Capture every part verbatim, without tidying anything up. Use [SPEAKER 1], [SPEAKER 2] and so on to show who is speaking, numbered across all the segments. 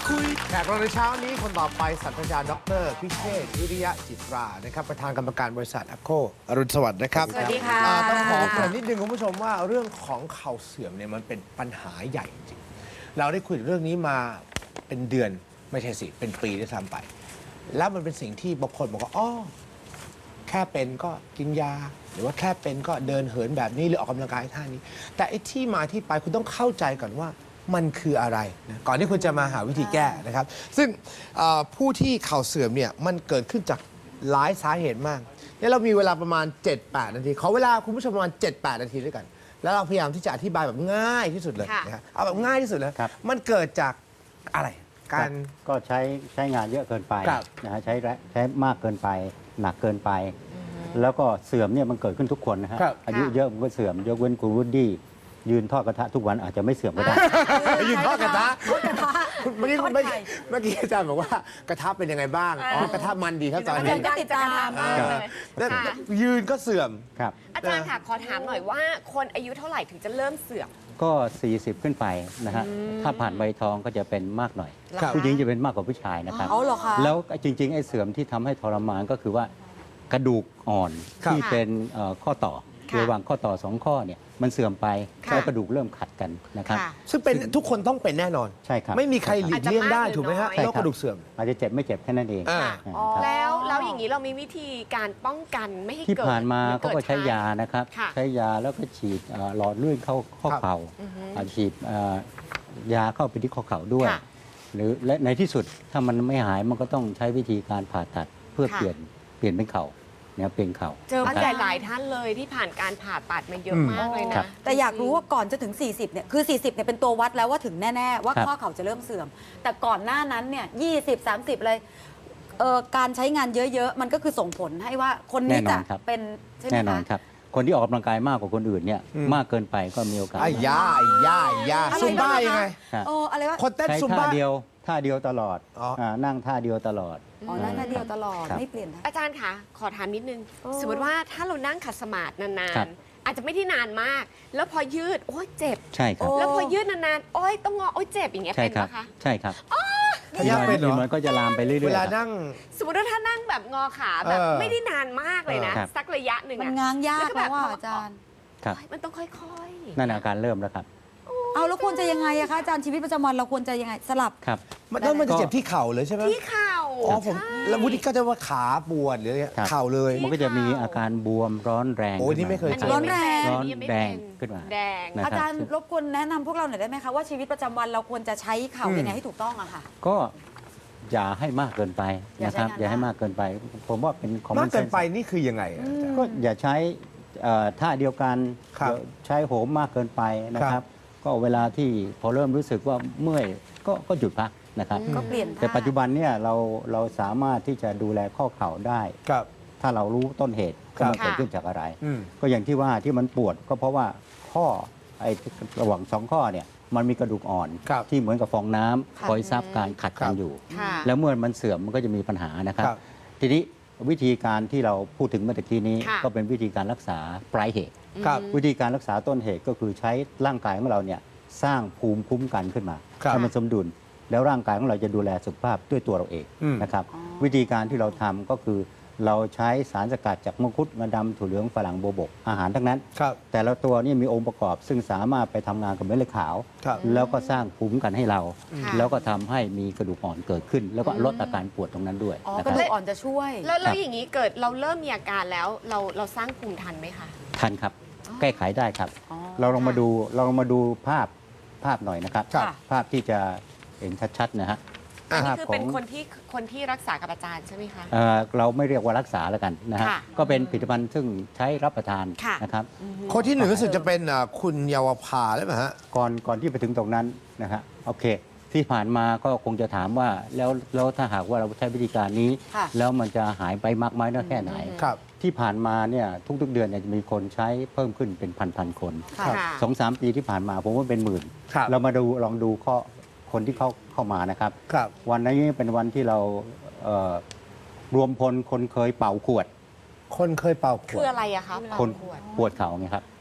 [SPEAKER 1] คุยแขกรับในเช้านี้คนต่อไปศาสตราจารย์ดรพิเชษฐ์วิริยะจิตรานะครับประธานกรรมการบริษัทแอปโคอรุณสวัสดิ์นะครับ
[SPEAKER 2] สวัสดีค่ะ
[SPEAKER 1] อ่าต้องขอเกริ่นนิดนึงคุณผู้ชมว่าเรื่องของเข่าเสื่อมเนี่ยมันเป็นปัญหาใหญ่จริงๆเราได้คุยเรื่องนี้มาเป็นเดือนไม่ใช่สิเป็นปีด้วยซ้ำไป แล้วมันเป็นสิ่งที่บางคนบอกว่าอ๋อแค่เป็นก็กินยา หรือว่าแค่เป็นก็เดินเหินแบบนี้หรือออกกำลังกายท่านี้ แต่ไอ้ที่มาที่ไปคุณต้องเข้าใจก่อนว่ามันคืออะไรนะก่อนที่คุณจะมาหาวิธีแก้นะครับ ซึ่งเอ่อผู้ที่เข่าเสื่อมเนี่ยมันเกิดขึ้นจากหลายสาเหตุมากเนี่ยเรามีเวลาประมาณ เจ็ดแปด นาทีขอเวลาคุณผู้ชมประมาณ เจ็ดแปด นาทีด้วยกัน แล้วเราพยายามที่จะอธิบายแบบง่ายที่สุดเลย
[SPEAKER 2] ค่ะ
[SPEAKER 1] นะครับเอาแบบง่ายที่สุดเลย
[SPEAKER 3] ครับ
[SPEAKER 1] มันเกิดจากอะไรการ
[SPEAKER 3] ก็ใช้ใช้งานเยอะเกินไป
[SPEAKER 1] ครับ
[SPEAKER 3] นะฮะใช้แรงใช้มากเกินไป หนักเกินไป แล้วก็เสื่อมเนี่ยมันเกิดขึ้นทุกคนนะฮะ
[SPEAKER 1] ครับ
[SPEAKER 3] อายุเยอะมันก็เสื่อมยกเว้นคุณวูดดี้ยืนทอดกระทะทุกวันอาจจะไม่เสื่อมก็ได้
[SPEAKER 1] ยืนทอดกระทะ
[SPEAKER 2] ทอดกระทะ
[SPEAKER 1] เมื่อกี้
[SPEAKER 2] ทอด
[SPEAKER 1] เมื่อ
[SPEAKER 2] ไข่
[SPEAKER 1] กี้เมื่อกี้อาจารย์บอกว่ากระทะเป็นยังไงบ้างอ๋อกระทะมันดีครับตอน
[SPEAKER 2] อา
[SPEAKER 1] นี้
[SPEAKER 2] จารย์ก็ติดตาม
[SPEAKER 1] เอ
[SPEAKER 2] มาก
[SPEAKER 1] อ
[SPEAKER 2] เลย
[SPEAKER 1] แล้ว
[SPEAKER 2] ค่ะ
[SPEAKER 1] ยืนก็เสื่อม
[SPEAKER 3] ครับ
[SPEAKER 4] อาจารย์ค่ะ ขอถามหน่อยว่าคนอายุเท่าไหร่ถึงจะเริ่มเสื่อม
[SPEAKER 3] ก็ สี่สิบ ขึ้นไปนะฮะถ้าผ่านใบทองก็จะเป็นมากหน่อย
[SPEAKER 1] ครับ
[SPEAKER 3] ผู้หญิงจะเป็นมากกว่าผู้ชายนะครับ
[SPEAKER 2] เอาเหรอคะ
[SPEAKER 3] แล้วจริงๆไอ้เสื่อมที่ทำให้ทรมานก็คือว่ากระดูกอ่อน
[SPEAKER 1] ครับ
[SPEAKER 3] ที่เป็นเอ่อข้อต่อ
[SPEAKER 4] ค่ะ
[SPEAKER 3] ระหว่างข้อต่อสองข้อเนี่ยมันเสื่อมไป
[SPEAKER 4] ค่ะ
[SPEAKER 3] แล้วกระดูกเริ่มขัดกันนะครับ
[SPEAKER 4] ค่ะ
[SPEAKER 1] ซึ่งเป็นทุกคนต้องเป็นแน่นอน
[SPEAKER 3] ใช่ครับ
[SPEAKER 1] ไม่มีใครหลีกเลี่ยงได้ถูกไหมฮะ
[SPEAKER 4] อาจจะมากหรือน้อย
[SPEAKER 1] โรคกระดูกเสื่อม
[SPEAKER 3] อาจจะเจ็บไม่เจ็บแค่นั้นเอง
[SPEAKER 1] อ่า
[SPEAKER 3] นะครับ
[SPEAKER 4] แล้วแล้วอย่างนี้เรามีวิธีการป้องกันไม่ให้
[SPEAKER 3] ที่
[SPEAKER 4] เกิด
[SPEAKER 3] ผ่านมา
[SPEAKER 4] หรือ
[SPEAKER 3] เขาก็ใช้ยานะครับ
[SPEAKER 4] ค่ะ
[SPEAKER 3] ใช้ยาแล้วก็ฉีดเอ่อหลอดเลื่อนเข้าข้อ
[SPEAKER 1] ครับ
[SPEAKER 3] เข่า
[SPEAKER 4] อือฮึ
[SPEAKER 3] อ่าฉีดเอ่อยาเข้าไปที่ข้อเข่าด้วย
[SPEAKER 4] ค่ะ
[SPEAKER 3] หรือและในที่สุดถ้ามันไม่หายมันก็ต้องใช้วิธีการผ่าตัดเพื่อ
[SPEAKER 4] ค่ะ
[SPEAKER 3] เปลี่ยนเปลี่ยนเป็นเข่าเนี่ยเปลี่ยนเข่า
[SPEAKER 4] เจอ
[SPEAKER 3] นะ
[SPEAKER 4] ผู้
[SPEAKER 3] ค
[SPEAKER 4] ให
[SPEAKER 3] รั
[SPEAKER 4] ญ่
[SPEAKER 3] บ
[SPEAKER 4] หลายท่านเลยที่ผ่านการผ่าตัดมาเยอะ
[SPEAKER 1] อืม
[SPEAKER 4] มากเลย
[SPEAKER 3] ครั
[SPEAKER 4] นะ
[SPEAKER 3] บ
[SPEAKER 2] แต่อยากรู้ว่าก่อนจะถึง สี่สิบ เนี่ย คือ สี่สิบ เนี่ย เป็นตัววัดแล้วว่าถึงแน่ ๆ ว่า
[SPEAKER 3] ครับ
[SPEAKER 2] ข้อเข่าจะเริ่มเสื่อม แต่ก่อนหน้านั้น เนี่ย ยี่สิบ สามสิบ เลยเอ่อการใช้งานเยอะ ๆ มันก็คือส่งผลให้ว่าคนนี้
[SPEAKER 3] แน่น
[SPEAKER 2] จะ
[SPEAKER 3] อนครับ
[SPEAKER 2] เป็น ใช่ไหม
[SPEAKER 3] แน่นอน
[SPEAKER 2] คะ
[SPEAKER 3] ครับ คนที่ออกกำลังกายมากกว่าคนอื่นเนี่ย
[SPEAKER 1] อืม
[SPEAKER 3] มากเกินไปก็มีโอกาส
[SPEAKER 1] ไอ้ยาไอ้ยาไอ้ยา
[SPEAKER 2] อะไร
[SPEAKER 1] ซุมบ้า
[SPEAKER 2] บ้างนะคะ
[SPEAKER 1] ยังไง
[SPEAKER 3] ครับ
[SPEAKER 2] โอ้อะไรวะ
[SPEAKER 1] คนเต้น
[SPEAKER 3] ใช้
[SPEAKER 1] ซุม
[SPEAKER 3] ท่า
[SPEAKER 1] บ้า
[SPEAKER 3] เดียวท่าเดียวตลอด
[SPEAKER 1] อ๋ออ่
[SPEAKER 3] านั่งท่าเดียวตลอด
[SPEAKER 2] อ๋อนั่นท่าเดียวตลอด
[SPEAKER 3] ครับ
[SPEAKER 2] ไม่เปลี่ยนท่า
[SPEAKER 4] อาจารย์คะขอถามนิดนึง
[SPEAKER 2] โอ้
[SPEAKER 4] สมมติว่าถ้าเรานั่งขัดสมาธินา
[SPEAKER 3] ครั
[SPEAKER 4] น
[SPEAKER 3] บ
[SPEAKER 4] ๆ อาจจะไม่ได้นานมาก แล้วพอยืด โอ้ยเจ็บ
[SPEAKER 3] ใช่ครับ
[SPEAKER 2] โอ้
[SPEAKER 4] แล้วพอยืดนานๆ โอ้ยต้องงอ โอ้ยเจ็บอย่างเงี้ย
[SPEAKER 3] ใช่
[SPEAKER 4] เป็น
[SPEAKER 3] ครับ
[SPEAKER 4] ปะคะ
[SPEAKER 3] ใช่ครับ
[SPEAKER 1] พยายามเป็นเหรอ
[SPEAKER 3] มันก็จะลามไปเรื่อยๆ
[SPEAKER 1] เวลา
[SPEAKER 3] ครับ
[SPEAKER 1] นั่ง
[SPEAKER 4] สมมติว่าถ้านั่งแบบงอขาแบบ
[SPEAKER 1] เออ
[SPEAKER 4] ไม่ได้นานมากเลยนะ
[SPEAKER 3] ครับ
[SPEAKER 4] สักระยะหนึ่ง
[SPEAKER 2] มัน
[SPEAKER 4] อะ
[SPEAKER 2] ง้างยาก
[SPEAKER 4] แล้วก็
[SPEAKER 2] แล้วว่า
[SPEAKER 4] แบบ
[SPEAKER 2] อาจารย์
[SPEAKER 3] ครับ
[SPEAKER 4] โอ๊ยมันต้องค่อยๆ
[SPEAKER 3] นั่นอาการเริ่มแล้วครับ
[SPEAKER 2] เอาแล้วควรจะยังไงอะคะอาจารย์ชีวิตประจำวันเราควรจะยังไงสลับ
[SPEAKER 3] ครับ
[SPEAKER 1] มันแล้วมันจะเจ็บที่เข่าเลยใช่ไหม
[SPEAKER 4] ที่เข่า
[SPEAKER 1] อ๋อผม
[SPEAKER 4] ใช่
[SPEAKER 1] แล้ววุฒิก็จะว่าขาปวดหรืออะไร
[SPEAKER 3] ครับ
[SPEAKER 1] เข่าเลย
[SPEAKER 3] มันก็จะมีอาการบวมร้อนแรง
[SPEAKER 1] โอ้ยนี่ไม่เคย
[SPEAKER 4] อัน
[SPEAKER 1] เจ
[SPEAKER 4] นี้
[SPEAKER 2] ร้อนแรง
[SPEAKER 4] ยั
[SPEAKER 3] ร้อน
[SPEAKER 4] ไม่เป็
[SPEAKER 3] แดงขึ้นมา
[SPEAKER 4] แดง
[SPEAKER 3] นะ
[SPEAKER 2] อาจารย์รบกวนแนะนำพวกเราหน่อยได้ไหมคะว่าชีวิตประจำวันเราควรจะใช้เข่า
[SPEAKER 1] อืม
[SPEAKER 2] ยังไงให้ถูกต้องอะค่ะ
[SPEAKER 3] ก็อย่าให้มากเกินไป
[SPEAKER 2] อย่า
[SPEAKER 3] นะ
[SPEAKER 2] ใช้
[SPEAKER 3] ครับ
[SPEAKER 2] งาน
[SPEAKER 3] อย่าให้
[SPEAKER 2] มาก
[SPEAKER 3] มากเกินไป ผมว่าเป็นคอมม
[SPEAKER 1] มา
[SPEAKER 3] อก นเซ
[SPEAKER 1] เกิน
[SPEAKER 3] นส์
[SPEAKER 1] ไปนี่คือยังไงอะอาจารย์
[SPEAKER 3] ก็อย่าใช้เอ่อท่าเดียวกัน
[SPEAKER 1] ครับ
[SPEAKER 3] อย่าใช้โหมมากเกินไปนะค
[SPEAKER 1] ครั
[SPEAKER 3] รับ
[SPEAKER 1] บ
[SPEAKER 3] ก็เวลาที่พอเริ่มรู้สึกว่าเมื่อยก็ก็หยุดพักนะครับ
[SPEAKER 2] ก็เปลี่ยน
[SPEAKER 3] แต่
[SPEAKER 2] ท่า
[SPEAKER 3] ปัจจุบันเนี่ยเราเราสามารถที่จะดูแลข้อเข่าได้
[SPEAKER 1] ครับ
[SPEAKER 3] ถ้าเรารู้ต้นเหตุ
[SPEAKER 1] ครับ
[SPEAKER 3] ว่ามันเกิดขึ้นจากอะไร
[SPEAKER 1] อืม
[SPEAKER 3] ก็อย่างที่ว่าที่มันปวดก็เพราะว่าข้อไอ้ระหว่างสองข้อเนี่ยมันมีกระดูกอ่อน
[SPEAKER 1] ครับ
[SPEAKER 3] ที่เหมือนกับฟองน้ำ
[SPEAKER 2] ค่ะ
[SPEAKER 3] คอยซับการขัด
[SPEAKER 1] ครั
[SPEAKER 3] กับ นอยู่
[SPEAKER 4] ค่ะ
[SPEAKER 3] แล้วเมื่อมันเสื่อมมันก็จะมีปัญหานะครับ
[SPEAKER 1] ครับ
[SPEAKER 3] ทีนี้วิธีการที่เราพูดถึงเมื่อตะกี้นี้
[SPEAKER 4] ค่ะ
[SPEAKER 3] ก็เป็นวิธีการรักษาปลายเหตุ
[SPEAKER 1] ครับ
[SPEAKER 3] วิธีการรักษาต้นเหตุก็คือใช้ร่างกายของเราเนี่ยสร้างภูมิคุ้มกันขึ้นมา
[SPEAKER 1] ครับ
[SPEAKER 3] ให้มันสมดุล แล้วร่างกายของเราจะดูแลสุขภาพด้วยตัวเราเอง
[SPEAKER 1] อืม
[SPEAKER 3] นะครับ
[SPEAKER 2] อ๋อ
[SPEAKER 3] วิธีการที่เราทำก็คือเราใช้สารสกัดจากมังคุดงาดำถั่วเหลืองฝรั่งโบวบกอาหารทั้งนั้น
[SPEAKER 1] ครับ
[SPEAKER 3] แต่ละตัวนี่มีองค์ประกอบซึ่งสามารถไปทำงานกับเม็ดเลือดขาว
[SPEAKER 1] ครับ
[SPEAKER 3] แล้วก็สร้างภูมิคุ้มกันให้เรา
[SPEAKER 4] ค่ะ
[SPEAKER 3] แล้วก็ทำให้มีกระดูกอ่อนเกิดขึ้น แล้วก็ลดอาการปวดตรงนั้นด้วย
[SPEAKER 2] อ๋อ
[SPEAKER 3] นะ
[SPEAKER 2] ก
[SPEAKER 3] ค
[SPEAKER 2] ระ
[SPEAKER 3] รับ
[SPEAKER 2] ดูกอ่อนจะช่วย
[SPEAKER 4] แล้วแล้
[SPEAKER 3] ครั
[SPEAKER 4] ว
[SPEAKER 3] บ
[SPEAKER 4] อย่างนี้เกิดเราเริ่มมีอาการแล้วเราเราสร้างภูมิทันไหมคะ
[SPEAKER 3] ทันครับ แก้ไขได้ครับ
[SPEAKER 2] อ๋อ
[SPEAKER 3] เราลองมาดูเราลองมาดูภาพภาพหน่อยนะครับ
[SPEAKER 1] ครับ
[SPEAKER 3] ภาพที่จะเห็นชัดๆนะฮะ
[SPEAKER 4] อันนี้
[SPEAKER 3] ภาพ
[SPEAKER 4] คือ
[SPEAKER 3] ขอ
[SPEAKER 4] เป็น
[SPEAKER 3] ง
[SPEAKER 4] คนที่คนที่รักษากับอาจารย์ใช่ไหมคะ
[SPEAKER 3] เอ่อเราไม่เรียกว่ารักษาแล้วกันนะฮะ
[SPEAKER 4] ค่ะ
[SPEAKER 3] ก็เป็นผลิตภัณฑ์ซึ่งใช้รับประทาน
[SPEAKER 4] ค่ะ
[SPEAKER 3] นะครับ
[SPEAKER 1] คนที่หนึ่งรู้สึกจะเป็นอ่าคุณเยาวภาหรือเปล่าฮะ
[SPEAKER 3] ก่อนก่อนที่ไปถึงตรงนั้นนะฮะโอเค ที่ผ่านมาก็คงจะถามว่าแล้วแล้วถ้าหากว่าเราใช้วิธีการนี้
[SPEAKER 2] ค่ะ
[SPEAKER 3] แล้วมันจะหายไปมากไหมน้อยแค่ไหน
[SPEAKER 1] ครับ
[SPEAKER 3] ที่ผ่านมาเนี่ยทุกๆเดือนเนี่ยจะมีคนใช้เพิ่มขึ้นเป็นพันๆคน
[SPEAKER 2] ค่ะ
[SPEAKER 4] ค่ะ
[SPEAKER 3] สองสามปีที่ผ่านมาผมว่าเป็นหมื่น
[SPEAKER 1] ครับ
[SPEAKER 3] เรามาดูลองดูข้อคนที่เข้าเข้ามานะครับ
[SPEAKER 1] ครับ
[SPEAKER 3] วันนี้เป็นวันที่เราเอ่อรวมพลคนเคยเป่าขวด
[SPEAKER 1] คนเคยเป่าข
[SPEAKER 4] คื
[SPEAKER 1] ว
[SPEAKER 4] อ
[SPEAKER 1] ด
[SPEAKER 4] อะไรอะคะ
[SPEAKER 3] คน
[SPEAKER 4] ขวด
[SPEAKER 3] ปวดเข่าไงครับ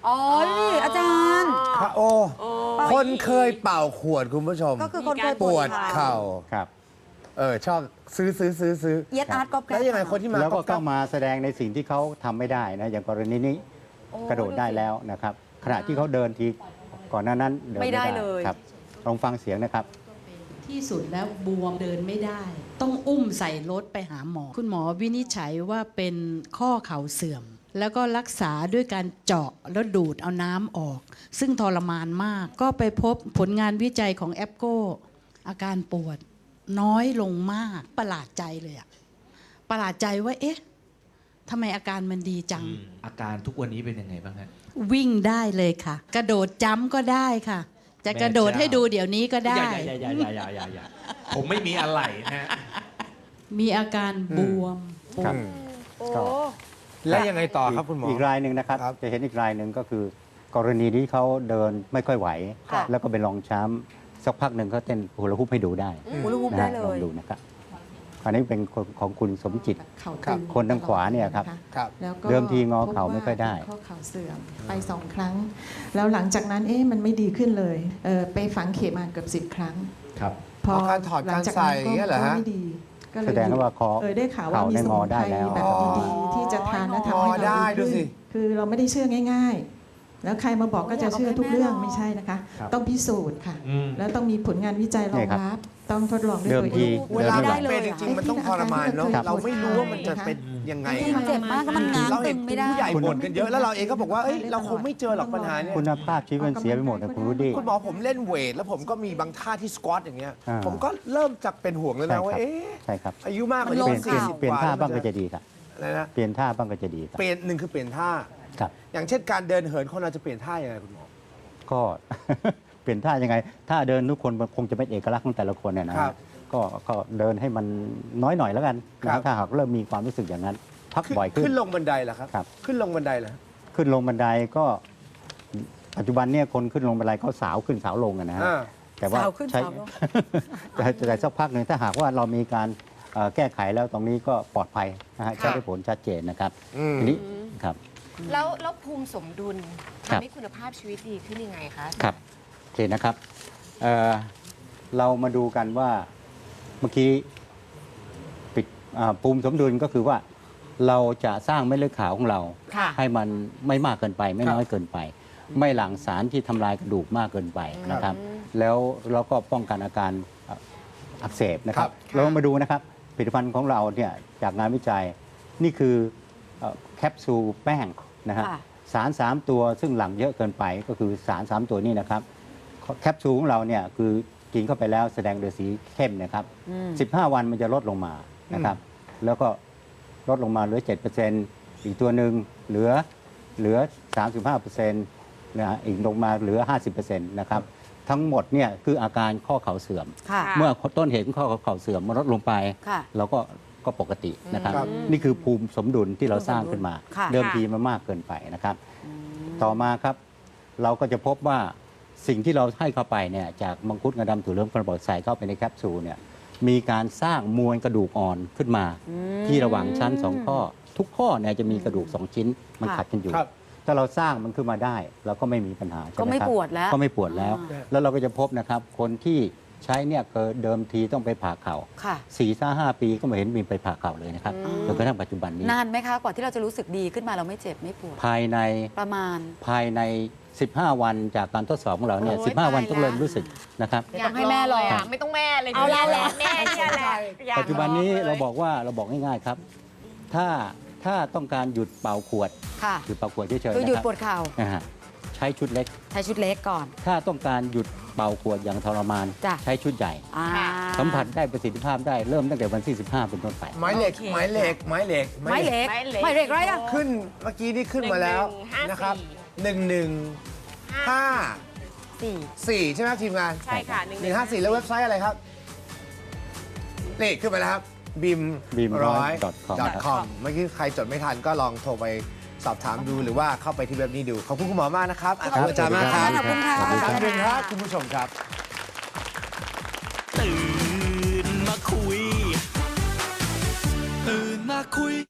[SPEAKER 2] อ๋อนี่อาจารย์
[SPEAKER 1] พระโอ คนเคยเป่าขวดคุณผู้ชม
[SPEAKER 2] ก็คือคนเคย
[SPEAKER 1] ปวดเข่า
[SPEAKER 3] ครับ
[SPEAKER 1] เออชอบซื้อซื้อซื้อซื้อ
[SPEAKER 2] เอียดอาร์ตก็แก
[SPEAKER 1] แล้วยังไงคนที่มา
[SPEAKER 3] แล้วก็
[SPEAKER 1] ก๊
[SPEAKER 3] ต้
[SPEAKER 1] อ
[SPEAKER 3] อง
[SPEAKER 1] บ
[SPEAKER 3] มาแสดงในสิ่งที่เขาทำไม่ได้นะอย่างกรณีนี้กระโดดได้แล้วนะครับ ขณะที่เขาเดินทีก่อนหน้านั้นเดิน
[SPEAKER 2] ไม่
[SPEAKER 3] ไม่
[SPEAKER 2] ได้
[SPEAKER 3] ได้
[SPEAKER 2] เลย
[SPEAKER 3] ครับลองฟังเสียงนะครับ
[SPEAKER 5] ที่สุดแล้วบวมเดินไม่ได้ ต้องอุ้มใส่รถไปหาหมอ คุณหมอวินิจฉัยว่าเป็นข้อเข่าเสื่อม แล้วก็รักษาด้วยการเจาะแล้วดูดเอาน้ำออก ซึ่งทรมานมาก ก็ไปพบผลงานวิจัยของแอปโกอาการปวดน้อยลงมากประหลาดใจเลยอะประหลาดใจว่าเอ๊ะทำไมอาการมันดีจัง
[SPEAKER 6] อาการทุกวันนี้เป็นยังไงบ้างฮะ
[SPEAKER 5] วิ่งได้เลยค่ะ กระโดดจ้ำก็ได้ค่ะ จะกระโดดให้ดูเดี๋ยวนี้ก็ได้
[SPEAKER 6] อย่าอย่าอย่าอย่าอย่าอย่าผมไม่มีอะไรนะฮะ
[SPEAKER 5] มีอาการบวมปว
[SPEAKER 3] ครั
[SPEAKER 5] ด
[SPEAKER 3] บ
[SPEAKER 2] โอ้
[SPEAKER 3] ก็
[SPEAKER 1] แล้วยังไงต่อครับคุณหมอ
[SPEAKER 3] อีกรายหนึ่งนะครับ
[SPEAKER 1] ครับ
[SPEAKER 3] จะเห็นอีกรายหนึ่งก็คือ กรณีที่เขาเดินไม่ค่อยไหว
[SPEAKER 2] ค่ะ
[SPEAKER 3] แล้วก็เป็นรองช้ำสักพักหนึ่งเขาเต้นฮูลาฮูปให้ดูได้
[SPEAKER 2] ฮูลาฮูป
[SPEAKER 3] นะ
[SPEAKER 2] ได้
[SPEAKER 3] ฮะ
[SPEAKER 2] เล
[SPEAKER 3] ลอง
[SPEAKER 2] ย
[SPEAKER 3] ดูนะครับอันนี้เป็นคนของคุณสมจิต
[SPEAKER 7] เข่า
[SPEAKER 1] ครั
[SPEAKER 7] ตึ
[SPEAKER 1] บ
[SPEAKER 7] ง
[SPEAKER 3] คนทางขวาเนี่ยครับ
[SPEAKER 7] ะะ
[SPEAKER 1] ครับ
[SPEAKER 7] แล้วก็
[SPEAKER 3] เดิมทีงอเข่าไม่ค่อยได้
[SPEAKER 7] พบว่าข้อเข่าเสื่อมไปสองครั้ง แล้วหลังจากนั้นเอ๊ะมันไม่ดีขึ้นเลยเออไปฝังเข็มมาเกือบสิบครั้ง
[SPEAKER 6] ครับ
[SPEAKER 7] พอ
[SPEAKER 1] อ๋อการถอด
[SPEAKER 7] หลังจาก
[SPEAKER 1] การใส่
[SPEAKER 7] นั้น
[SPEAKER 1] อย่างเงี้ยเหรอฮะ
[SPEAKER 7] ก็ไม่ดีก็เลย
[SPEAKER 3] แสดงว่าคอ
[SPEAKER 7] เออได้ข่าวว่า
[SPEAKER 3] เข่า
[SPEAKER 7] มี
[SPEAKER 3] ได้
[SPEAKER 7] ส
[SPEAKER 3] ง
[SPEAKER 7] มุ
[SPEAKER 3] อน ได้
[SPEAKER 7] ไพร
[SPEAKER 3] แล้ว
[SPEAKER 7] แบบ
[SPEAKER 1] อ๋อ
[SPEAKER 7] ดีๆที่จะทานและ
[SPEAKER 1] อ๋
[SPEAKER 7] ทำ
[SPEAKER 1] อ
[SPEAKER 7] ให้
[SPEAKER 1] ได้
[SPEAKER 7] เรา
[SPEAKER 1] ดู
[SPEAKER 7] ดี
[SPEAKER 1] สิ
[SPEAKER 7] ขึ้นคือเราไม่ได้เชื่อง่าย ๆ แล้วใครมาบอกก็จะเชื่อทุกเรื่องไม่ใช่นะคะ
[SPEAKER 6] ครับ
[SPEAKER 7] ต้องพิสูจน์ค่ะ
[SPEAKER 6] อืม
[SPEAKER 7] แล้วต้องมีผลงานวิจัยรอ
[SPEAKER 3] เนี่
[SPEAKER 7] ง
[SPEAKER 3] ยครับ
[SPEAKER 7] รับ ต้องทดลองด้วย
[SPEAKER 3] เดิม
[SPEAKER 7] ตัว
[SPEAKER 3] ที
[SPEAKER 7] เอง
[SPEAKER 1] เวลา
[SPEAKER 2] ไม่ได้
[SPEAKER 1] มัน
[SPEAKER 2] เลย
[SPEAKER 1] เป็นจ
[SPEAKER 2] อะ
[SPEAKER 1] ริงๆมันต้องทรมานเนาะ
[SPEAKER 7] ครับ
[SPEAKER 1] เราไม่รู้ว่ามันจะเป็นยังไง
[SPEAKER 2] จริงเจ็บมากก็มันง้าง
[SPEAKER 1] เรา
[SPEAKER 2] ตึ
[SPEAKER 1] เห็น
[SPEAKER 2] งไม่ได้
[SPEAKER 1] ผู้ใหญ่บ่นกันเยอะแล้วเราเองก็บอกว่าเอ้ยเราคงไม่เจอหรอกปัญหาเนี่ย
[SPEAKER 3] คุณภาพชีวิตมันเสียไปหมดนะคุณรู้ดี
[SPEAKER 1] คุณหมอผมเล่นเวท แล้วผมก็มีบางท่าที่สควอตอย่างเงี้ย
[SPEAKER 3] อ่า
[SPEAKER 1] ผมก็เริ่มจากเป็นห่วงแล้ว
[SPEAKER 3] ใช่
[SPEAKER 1] นะ
[SPEAKER 3] ค
[SPEAKER 1] ว่า
[SPEAKER 3] รับ
[SPEAKER 1] เอ๊ะ
[SPEAKER 3] ใช่ครับ
[SPEAKER 1] อายุมากกว่า
[SPEAKER 2] มัน
[SPEAKER 1] นี้
[SPEAKER 2] ล
[SPEAKER 3] เป
[SPEAKER 2] ง
[SPEAKER 3] ลี่ยน
[SPEAKER 1] สี่
[SPEAKER 3] เปลี่ยน
[SPEAKER 1] สิบ
[SPEAKER 3] เปลี่ยน
[SPEAKER 1] กว่า
[SPEAKER 3] ท่าบ้างก็จะดีครับ
[SPEAKER 1] อะไรนะ
[SPEAKER 3] เปลี่ยนท่าบ้างก็จะดีครับ
[SPEAKER 1] เปลี่ยนหนึ่งคือเปลี่ยนท่า
[SPEAKER 3] ครับ
[SPEAKER 1] อย่างเช่นการเดินเหินคนเราจะเปลี่ยนท่ายังไงคุณหมอ
[SPEAKER 3] ก็ เปลี่ยนท่ายังไงท่าเดินทุกคนมันคงจะเป็นเอกลักษณ์ของแต่ละคนเนี่ยนะครับ ก็ก็เดินให้มันน้อยหน่อยแล้วกันนะครับ ถ้าหากเริ่มมีความรู้สึกอย่างนั้น พักบ่อยขึ้น
[SPEAKER 1] ขึ้นลงบันไดเหรอครับ
[SPEAKER 3] ครับ
[SPEAKER 1] ขึ้นลงบันไดเหรอ
[SPEAKER 3] ขึ้นลงบันไดก็ปัจจุบันเนี่ยคนขึ้นลงบันไดก็สาวขึ้นสาวลงอะนะฮะ
[SPEAKER 1] อ่า
[SPEAKER 3] แต่ว่า
[SPEAKER 2] สาวขึ้น
[SPEAKER 3] ใช้
[SPEAKER 2] สาวลง
[SPEAKER 3] แต่แต่สักพักหนึ่งถ้าหากว่าเรามีการเอ่อแก้ไขแล้วตรงนี้ก็ปลอดภัยนะฮะใช้ได้ผลชัดเจนนะครับ
[SPEAKER 1] อืม
[SPEAKER 3] ทีนี้ครับ
[SPEAKER 4] แล้วแล้วภูมิสมดุล
[SPEAKER 3] ครับ
[SPEAKER 4] ทำให้คุณภาพชีวิตดีขึ้นยังไงคะ
[SPEAKER 3] ครับโอเคนะครับเอ่อเรามาดูกันว่าเมื่อกี้ปิดอ่าภูมิสมดุลก็คือว่าเราจะสร้างเม็ดเลือดขาวของเรา
[SPEAKER 2] ค่ะ
[SPEAKER 3] ให้มันไม่มากเกินไป ไม่น้อยเกินไป ไม่หลั่งสารที่ทำลายกระดูกมากเกินไปนะครับ แล้วเราก็ป้องกันอาการอ่ะอักเสบนะครับ
[SPEAKER 1] ครับ
[SPEAKER 3] เรามาดูนะครับผลิตภัณฑ์ของเราเนี่ยจากงานวิจัยนี่คือเอ่อแคปซูลแป้งนะฮะ
[SPEAKER 2] ค่ะ
[SPEAKER 3] สาร สาม ตัวซึ่งหลั่งเยอะเกินไปก็คือสาร สาม ตัวนี้นะครับแคปซูลของเราเนี่ยคือกินเข้าไปแล้วแสดงโดยสีเข้มนะครับ
[SPEAKER 2] อืม
[SPEAKER 3] สิบห้า วันมันจะลดลงมานะครับ แล้วก็ลดลงมาเหลือ เจ็ดเปอร์เซ็นต์ อีกตัวหนึ่งเหลือเหลือ สามสิบห้าเปอร์เซ็นต์ นะฮะอีกลงมาเหลือ ห้าสิบเปอร์เซ็นต์ นะครับ ทั้งหมดเนี่ยคืออาการข้อเข่าเสื่อม
[SPEAKER 2] ค่ะ
[SPEAKER 3] เมื่อต้นเหตุของข้อเข่าเสื่อมมันลดลงไป
[SPEAKER 2] ค่ะ
[SPEAKER 3] เราก็ก็ปกตินะครับ
[SPEAKER 1] ครับ
[SPEAKER 3] นี่คือภูมิสมดุลที่เราสร้างขึ้นมา
[SPEAKER 2] ค่ะ
[SPEAKER 3] เดิมทีมันมากเกินไปนะครับ ต่อมาครับเราก็จะพบว่าสิ่งที่เราให้เข้าไปเนี่ยจากมังคุดงาดำถั่วเหลืองกระบอกใส่เข้าไปในแคปซูลเนี่ยมีการสร้างมวลกระดูกอ่อนขึ้นมา ที่ระหว่างชั้นสองข้อ ทุกข้อเนี่ยจะมีกระดูกสองชิ้นมัน
[SPEAKER 2] ค่ะ
[SPEAKER 3] ขัดกันอยู่
[SPEAKER 1] ครับ
[SPEAKER 3] ถ้าเราสร้างมันขึ้นมาได้เราก็ไม่มีปัญหาใช่
[SPEAKER 2] ก็
[SPEAKER 3] ไหม
[SPEAKER 2] ไม่
[SPEAKER 3] ครับ
[SPEAKER 2] ปวดแล้ว
[SPEAKER 3] ก็ไม่ปวดแล้ว
[SPEAKER 2] อ่า
[SPEAKER 3] แล้วเราก็จะพบนะครับคนที่ใช้เนี่ยเกิดเดิมทีต้องไปผ่าเข่า
[SPEAKER 2] ค่ะ
[SPEAKER 3] สี่ห้าห้าปีก็ไม่เห็นมีไปผ่าเข่าเลยนะครับจนกระทั่งปัจจุบันนี้
[SPEAKER 2] นานไหมคะ กว่าที่เราจะรู้สึกดีขึ้นมาเราไม่เจ็บไม่ปวด
[SPEAKER 3] ภายใน
[SPEAKER 2] ประมาณ
[SPEAKER 3] ภายใน สิบห้า วันจากการทดสอบของเราเนี่ย
[SPEAKER 4] โอ้ย
[SPEAKER 3] สิบห้า วัน
[SPEAKER 4] ตาย
[SPEAKER 3] ต้องเริ่ม
[SPEAKER 4] ละ
[SPEAKER 3] รู้สึกนะครับ
[SPEAKER 2] ไม่ต้องให้แม่ลอง
[SPEAKER 4] ะไม่ต้องแม่เลย
[SPEAKER 2] เอาละแหละ
[SPEAKER 4] แม่เนี่ยแหละอยาก
[SPEAKER 3] ปัจจุบันนี้
[SPEAKER 4] ลองลย
[SPEAKER 3] เราบอกว่าเราบอกง่ายๆครับ ถ้าถ้าต้องการหยุดเป่าขวด
[SPEAKER 2] ค่ะ
[SPEAKER 3] หยุดเป่าขวดเฉยๆ
[SPEAKER 2] คือ
[SPEAKER 3] นะ
[SPEAKER 2] หยุด
[SPEAKER 3] ครับ
[SPEAKER 2] ปวดเข่า
[SPEAKER 3] นะฮะใช้ชุดเล็ก
[SPEAKER 2] ใช้ชุดเล็กก่อน
[SPEAKER 3] ถ้าต้องการหยุดเป่าขวดอย่างทรมาน
[SPEAKER 2] จ้ะ
[SPEAKER 3] ใช้ชุดใหญ่
[SPEAKER 2] อ่า
[SPEAKER 3] สัมผัสได้ประสิทธิภาพได้เริ่มตั้งแต่วันที่สิบห้าเป็นต้นไป
[SPEAKER 1] ไม้เหล็ก
[SPEAKER 2] โอเค
[SPEAKER 1] ไม้เหล็กไม้เหล็ก
[SPEAKER 2] ไม้เหล็ก
[SPEAKER 4] ไม้เหล็ก
[SPEAKER 2] ไม้เหล็กไรอะ
[SPEAKER 1] ขึ้นเมื่อกี้นี่ขึ้นมาแล้ว
[SPEAKER 4] หนึ่งหนึ่งห้า
[SPEAKER 1] นะครับ
[SPEAKER 4] สี่
[SPEAKER 1] หนึ่งหนึ่งห้า
[SPEAKER 2] สี่
[SPEAKER 1] สี่ใช่ไหมครับทีมงาน
[SPEAKER 4] ใช่ค่ะ
[SPEAKER 1] หนึ่งห้าสี่แล้วเว็บไซต์อะไรครับ นี่ขึ้นมาแล้วครับบิม
[SPEAKER 3] บีมร้อย .com ครับ
[SPEAKER 1] .com เมื่อกี้ใครจดไม่ทันก็ลองโทรไปสอบถามดูหรือว่าเข้าไปที่เว็บนี้ดู ขอบคุณคุณหมอมากนะครับขอบคุณอาจารย์มากครับ
[SPEAKER 2] ขอบคุณค่ะ
[SPEAKER 3] ขอบคุณ
[SPEAKER 1] ค
[SPEAKER 3] ค
[SPEAKER 1] รั้
[SPEAKER 3] รั
[SPEAKER 1] ง
[SPEAKER 3] บ
[SPEAKER 1] หนึ่งครับคุณผู้ชมครับ
[SPEAKER 8] ตื่นมาคุย ตื่นมาคุย